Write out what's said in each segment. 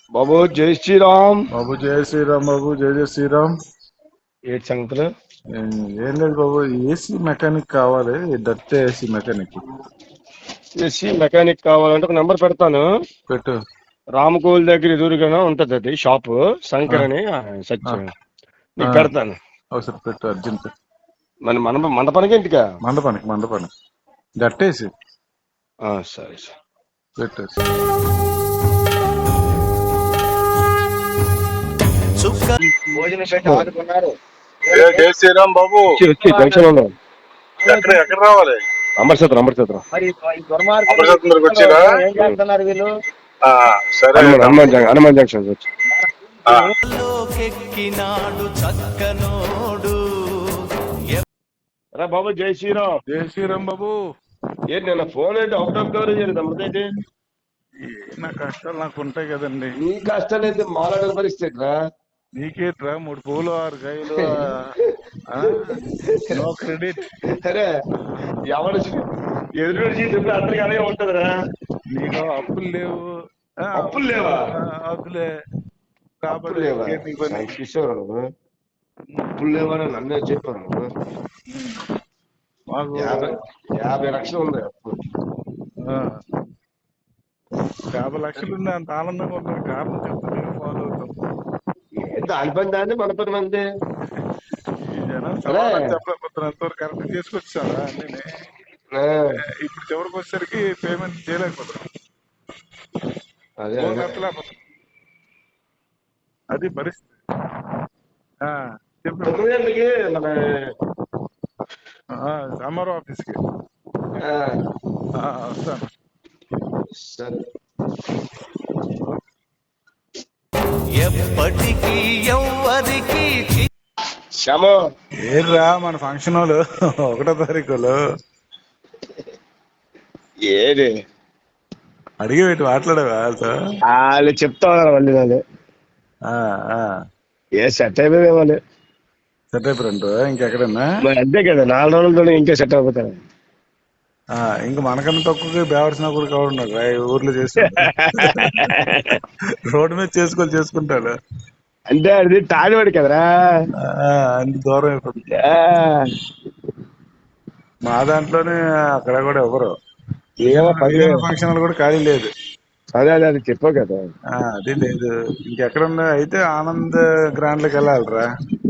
బాబు జై శ్రీరామ్. బాబు జయ శ్రీరామ్. బాబు జయ జయ శ్రీరామ్. ఏంటి సంగతులు? ఏం లేదు బాబు, ఏసీ మెకానిక్ కావాలి, dirty AC mechanic. AC mechanic కావాలంటే ఒక నెంబర్ పెడతాను. పెట్టు. రామకోల్ దగ్గర ఎదురుగానే ఉంటది అది షాపు, ఆ, శంకర్ అని ఆ, సత్యం. ఆ, నీకు పెడతాను. ఒకసారి పెట్టు అర్జెంట్. మన మండపానికి ఇంటికా? మండపానికి మండపానికి డట్టేసి సరే సరే. పెట్టు. భోజనం పెట్టి ఆడుకున్నారు. జయ శ్రీరామ్ బాబు. వచ్చి జంక్షన్ ఉన్నాం. ఎక్కడ రావాలి? అమర్చేద్దాం అమర్చేద్దాం. మరి అమృతసరం దగ్గరకు వచ్చారా? ఏం చేస్తున్నారు వీళ్ళు? సరే. హనుమాన్ జంక్షన్ వచ్చి రా బాబు. జై శ్రీరామ్. జయ శ్రీరామ్ బాబు. ఏంటి నిన్న ఫోన్ ఏంటి అవుట్ ఆఫ్ కవరేజ్ అయింది అమృతైతే? నా కష్టాలు నాకు ఉంటాయి కదండి. నీ కష్టాలు అయితే మాట్లాడని పరిస్థితి రా. నీకేట్రా 3 పూలు 6 కాయలు, నో క్రెడిట్. అరే ఎవరు ఎదురు చెప్పి అందరికి అలాగే ఉంటదిరా. నీకు అప్పులు లేవు. అప్పులు లేవా? అప్పులే అప్పులు లేవా? కిషోర్ అప్పులు లేవని నన్నే చెప్పాను. మాకు 50 లక్షలు ఉంది అప్పు. 50 లక్షలు ఉండే అంత ఆనందంగా ఉంటుంది. కారణం చెప్తే ఫాలో అవుతాం. దాని పని దాన్ని మన పని మంది. ఈ జనం సమాధానం చెప్పలేకపోతున్నారు. ఎంతవరకు కరెక్ట్ చేసుకొచ్చారా అన్నీ. ఇప్పుడు చివరికి వచ్చేసరికి పేమెంట్ చేయలేకపోతున్నాం. అదే కట్టలేకపోతున్నాం. అది పరిస్థితి. చెప్పు. మన సమ్మర్ ఆఫీస్కి వస్తాను. సరే. ఎప్పటికీ ఎవ్వరికి శ్యామో ఏర్రా మన ఫంక్షన్ వాళ్ళు 1వ తారీఖులో ఏది అడిగి పెట్టి మాట్లాడేవా? వాళ్ళు చెప్తా ఉన్నారు మళ్ళీ వాళ్ళు. ఏ సెట్ అయిపోయి వాళ్ళు సెట్ అయిపోయారంట. ఇంకెక్కడన్నా అంతే కదా, 4 రోజులతో ఇంకా సెట్ అయిపోతారు. ఇంకా మనకన్నా తక్కువ బేవర్సిన కూడా కావడం ఊర్లో చేసి రోడ్డు మీద చేసుకుంటాడు. అంటే అది తాడివాడు కదరా, అంత దూరం అయిపోతుంది. మా దాంట్లోనే అక్కడ కూడా ఎవరు ఫంక్షన్ కూడా ఖాళీ లేదు. అదే అదే అది చెప్పావు కదా. అది లేదు. ఇంకెక్కడున్నా అయితే ఆనంద్ గ్రాండ్లకి వెళ్ళాలిరా.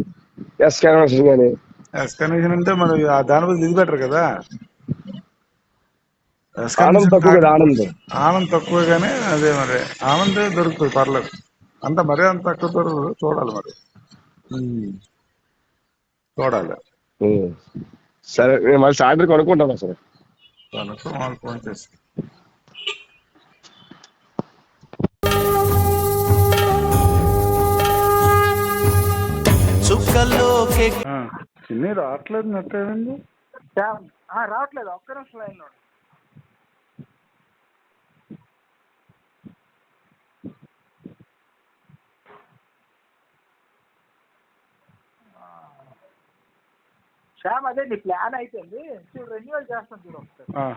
ఎస్కనేషన్ అంటే మరి దాని బదులు ఇది బెటర్ కదా. ఆనంద్ తక్కువ కదా. ఆనంద్ తక్కువగానే అదే మరి ఆనంద్ దొరుకుతుంది, పర్లేదు. అంత మరీ అంత తక్కువ దొరకదు. చూడాలి మరి, చూడాలి. సరే నేను మళ్ళీ సాయంత్రం కొనుక్కుంటాను. సరే వాళ్ళు ఫోన్ చేసి చిన్ని రావట్లేదు. నెట్ ఏమైంది? రావట్లేదు. ఒక్క నిమిషం లైన్లో. శ్యామ్ అదే నీ ప్లాన్ అయిపోయింది. చూడు రెన్యువల్ చేస్తాను చూడు ఒకసారి.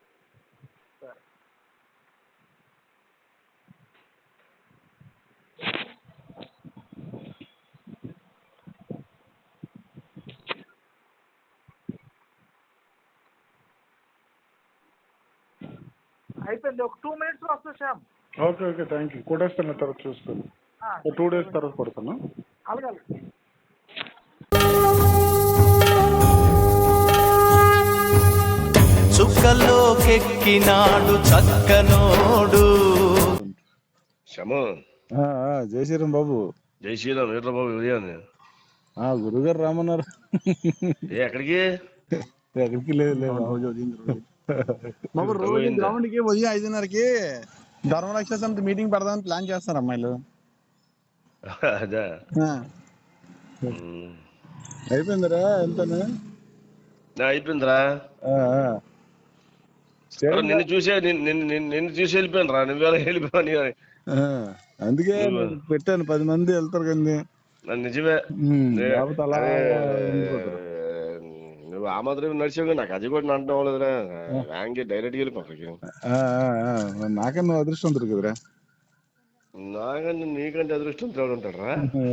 అయిపోయింది. ఒక 2 minutes వస్తుంది శ్యామ్. Okay thank you. కొట్టేస్తాను, తర్వాత చూస్తాను. 2 days తర్వాత కొడతాను. అలాగే. చుక్కలోకెక్కినాడు చక్కనోడు. జై శ్రీరామ్ బాబు. జై శ్రీరామ్. ఏంట్రా బాబు ఉదయాన్నే? గురుగారు రామన్నారు. ఎక్కడికి? ఎక్కడికి లేదు బాబు. రోజు గ్రౌండ్కి ఉదయం 5:30కి ధర్మరక్ష సమితి మీటింగ్ పెడదామని ప్లాన్ చేస్తారు అమ్మాయిలు. అదే అయిపోయిందిరా. ఎంతనే అయిపోయిందిరా. నిన్ను చూసి వెళ్ళిపోయాను రా. నువ్వు వెళ్ళిపోయావు. అందుకే పెట్టాను, 10 మంది వెళ్తారు కానీ. నిజమే. అలా నువ్వు ఆ మాత్రం నడిచావు. నాకు అది కూడా అంటాం అవ్వలేదురా. డైరెక్ట్ వెళ్ళిపోయి నాకన్నా నువ్వు అదృష్టం కదరా. నాకంటే నీకంటే అదృష్టం తోడు ఉంటాడరా.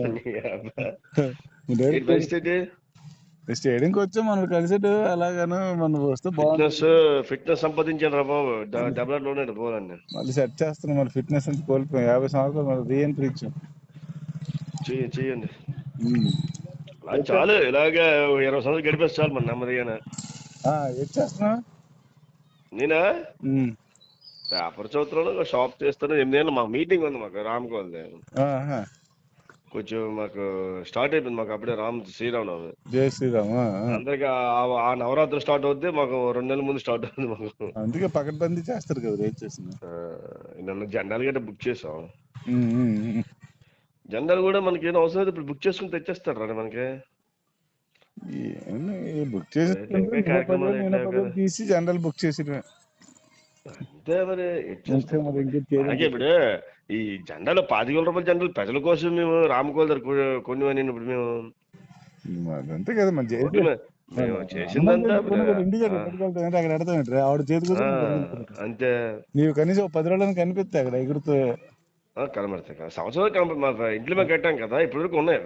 స్టేడియంకి వచ్చా మనం కలిసేటు అలాగాను మనం వస్తే బాగుంది. ఫిట్నెస్ సంపాదించాను రా బాబు. డెవలప్లోనే పోవాలని మళ్ళీ సెట్ చేస్తున్నాం. మన ఫిట్నెస్ అంతా కోల్పోయాం. 50 సంవత్సరాలు మళ్ళీ రీఎంట్రీ ఇచ్చాం. చెయ్యండి చాలు. ఇలాగే 20 సంవత్సరాలు గడిపేసి చాలు మన నెమ్మదిగానే. ఏం చేస్తున్నావు? నేనా పేపర్ చదువుతున్నాను, షాప్ చేస్తాను. 8 ఏళ్ళు మాకు మీటింగ్ ఉంది, మాకు రామకోల్ది కొంచెం మాకు స్టార్ట్ అయిపోయింది. మాకు అప్పుడే శ్రీరామనవమి. జై శ్రీరామ్. అందరికి ఆ నవరాత్రులు స్టార్ట్ అవుద్ది, మాకు 2 నెలల ముందు స్టార్ట్ అవుతుంది మాకు. అందుకే పకడ్బందీ చేస్తారు కదా. ఏం చేస్తున్నా నన్ను జెండాలు గట్రా బుక్ చేసాం. జెండాలు కూడా మనకి ఏం అవసరం అయితే ఇప్పుడు బుక్ చేసుకుని తెచ్చేస్తారు రా మనకి. బుక్ చేసి తీసి జనరల్ బుక్ చేసి అంతే మరి. ఇప్పుడు ఈ జెండాలు 25,000 రూపాయల జెండాలు ప్రజల కోసం మేము రామకోల్ దగ్గర కొన్ని ఇప్పుడు మేము అంతే కదా. మన చేసిందంతా అక్కడ ఎడతాం ఆవిడ చేతి అంతే. నీవు కనీసం 10 రోజులను కనిపిస్తాయి అక్కడ ఎగురుతూ కనబడతాయి. సంవత్సరం మా ఇంట్లో మేము కట్టాం కదా, ఇప్పటి వరకు ఉన్నాయి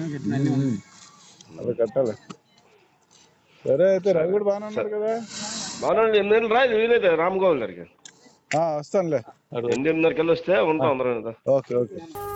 అవి కట్టాలి. సరే అయితే రవి కూడా బాగానే ఉన్నారు కదా. బాగున్నాడు. 8 నెలలు రా, వీలైతే రామగోపాల్ గారికి వస్తానులే. 8:30 కల్లా వస్తే ఉంటాం అందరం. Okay okay.